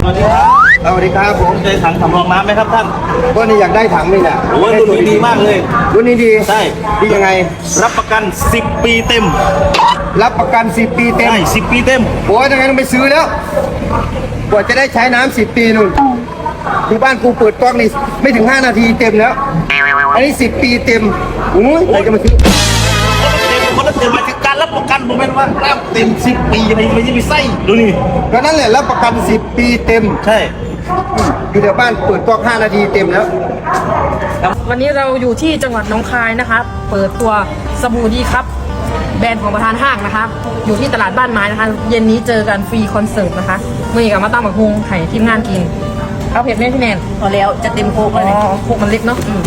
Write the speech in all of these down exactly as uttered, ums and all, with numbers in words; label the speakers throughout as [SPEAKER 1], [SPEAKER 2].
[SPEAKER 1] สวัสดีครับสวัสดีครับผม
[SPEAKER 2] เคยถังสำรองน้ำไหมครับท่าน
[SPEAKER 1] ก็นี่อยากได้ถังนี่แหละ
[SPEAKER 2] โอ้ยรุ่นนี้ดีมากเลย
[SPEAKER 1] รุ่นนี้ดี
[SPEAKER 2] ใช่
[SPEAKER 1] ดียังไง
[SPEAKER 2] รับประกันสิบปีเต็ม
[SPEAKER 1] รับประกันสิบปีเต็ม
[SPEAKER 2] ใช่สิบปีเต็ม
[SPEAKER 1] โอ้ยยังไงต้องไปซื้อแล้วกว่าจะได้ใช้น้ำสิบปีนู่นที่บ้านกูเปิดกล้องนี่ไม่ถึงห้านาทีเต็มแล้วอันนี้สิบปีเต็มโอ้ยใครจะมาซื้อ
[SPEAKER 2] คนละเต็มมาถึงการรับประกันผมเป็นว่าน้ำเต็มสิบปีอะไรไม่ใช่ไปไส้ดูนี่
[SPEAKER 1] ก็นั่นแหละรับประกันสิบปีเต็ม
[SPEAKER 2] ใช่
[SPEAKER 1] อยู่แถวบ้านเปิดกล้องห้านาทีเต็มแล้ว
[SPEAKER 3] วันนี้เราอยู่ที่จังหวัดหนองคายนะคะเปิดตัวสบู่ดีครับแบรนด์ของประธานห้างนะคะอยู่ที่ตลาดบ้านไม้นะคะเย็นนี้เจอกันฟรีคอนเสิร์ตนะคะเมื่อกี้กับมาตั้งบักฮุงไห่ทีมงานกินเอาเผ็ดไหมพี่แนน
[SPEAKER 4] พอแล้วจะเต็มโคกเลย
[SPEAKER 3] อ๋อโคกมันเล็กเนาะอืม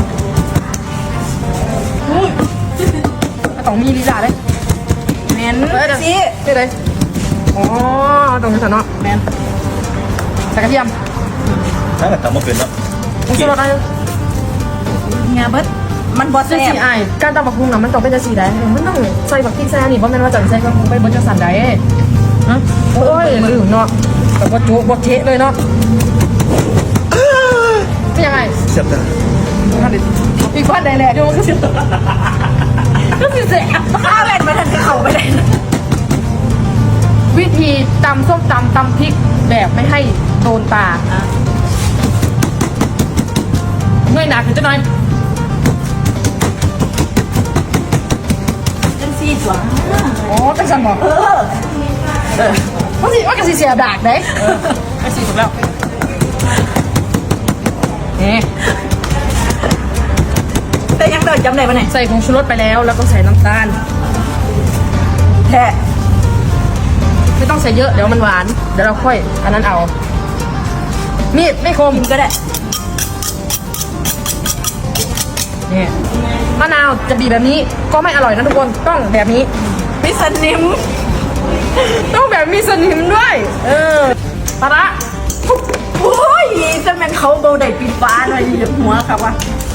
[SPEAKER 3] ต้องมีลีลาเลย
[SPEAKER 4] แมนสิ
[SPEAKER 3] ได้เลยอ๋อตรงนี้สนอ
[SPEAKER 4] แมน
[SPEAKER 3] ใส่กระเทียม
[SPEAKER 2] ใช่แต่ทำมาเป็นแล้ว
[SPEAKER 3] ผงชูรสอะไร
[SPEAKER 4] งาเบิดมันบอสแซ่บ
[SPEAKER 3] ไอ้การตำบักหุ่งน่ะมันต้องเป็นจังซี่ได้มันต้องใส่บักพริกใส่อันนี้บ่แม่นว่าจังใส่บักหุ่งไปบ่จังสั่นได้ฮะโอ้ยลืมเนาะแต่บ่จุบ่เทะเลยเนาะเป็นยังไง
[SPEAKER 2] เสียบจ้ะ
[SPEAKER 3] อีกคนได้แหละเดี๋ยวมันก็สิก็สิแซ่บ
[SPEAKER 4] ข้าวแบนมาทันจะเข้าไปได้
[SPEAKER 3] วิธีตำส้มตำตำพริกแบบไม่ให้โดนตาเมื่อยหนักถึงจะน้อย
[SPEAKER 4] ซีจัว
[SPEAKER 3] อ๋อจังสันบอก
[SPEAKER 4] เออ
[SPEAKER 3] เออว่าสิว่ากระสีเสียดากได้เออไม่สีถูกแล้วนี่
[SPEAKER 4] แต่ยังเดินจำได้ปะเนี่ย
[SPEAKER 3] ใส่ผงชูรสไปแล้วแล้วก็ใส่น้ำตาล
[SPEAKER 4] แท้
[SPEAKER 3] ไม่ต้องใส่เยอะเดี๋ยวมันหวานเดี๋ยวเราค่อยอันนั้นเอามีดไม่คม
[SPEAKER 4] กินก็ได้
[SPEAKER 3] นี่มะนาวจะบีบแบบนี้ก็ไม่อร่อยนะทุกคนต้องแบบนี้
[SPEAKER 4] มีสนิม
[SPEAKER 3] ต้องแบบมีสนิมด้วยเออปลาร้า
[SPEAKER 4] โอ้ยจะแม่นเขาเบาได้ปีฟ้าหน่อยเหยียบหัวครับวะ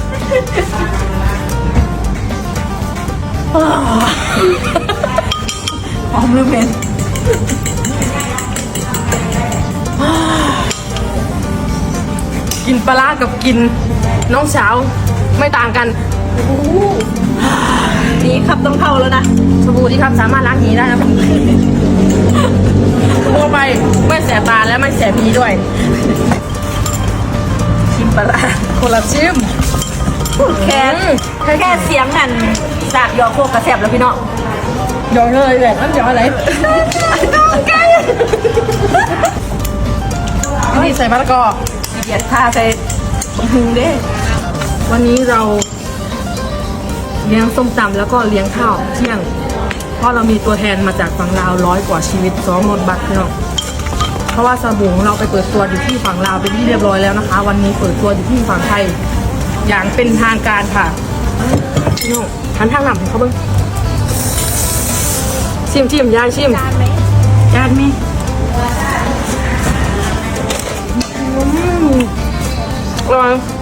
[SPEAKER 4] หอมลืมเป็น
[SPEAKER 3] กินปลาร้ากับกินน้องสาวไม่ต่างกัน
[SPEAKER 4] นี่ครับต้องเข้าแล้วนะ
[SPEAKER 3] สบู่ที่ครับสามารถล้างหีได้นะตัวไปไม่แสบตาและไม่แสบพีด้วย
[SPEAKER 4] ชิมปลา
[SPEAKER 3] คนละชิม
[SPEAKER 4] แค่แค่เสียงนั่นจากยอโคกกระแสบแล้วพี่น้อง
[SPEAKER 3] ยอเลยแหละนั่นยออะไร
[SPEAKER 4] ต้องไก่
[SPEAKER 3] นี่ใส่มะละกอ
[SPEAKER 4] เกียดผ้าใส่หุงเด้
[SPEAKER 3] วันนี้เราเลี้ยงส้มตำแล้วก็เลี้ยงข้าวเที่ยงเพราะเรามีตัวแทนมาจากฝั่งลาวร้อยกว่าชีวิตสองรถบัสพี่น้องเพราะว่าสบู่ของเราไปเปิดตัวอยู่ที่ฝั่งลาวเป็นที่เรียบร้อยแล้วนะคะวันนี้เปิดตัวอยู่ที่ฝั่งไทยอย่างเป็นทางการค่ะพี่น้องหันทางหลังเขาเบิ้งชิมชิมยายชิม
[SPEAKER 4] จานไหมจานไหม
[SPEAKER 3] อร่อย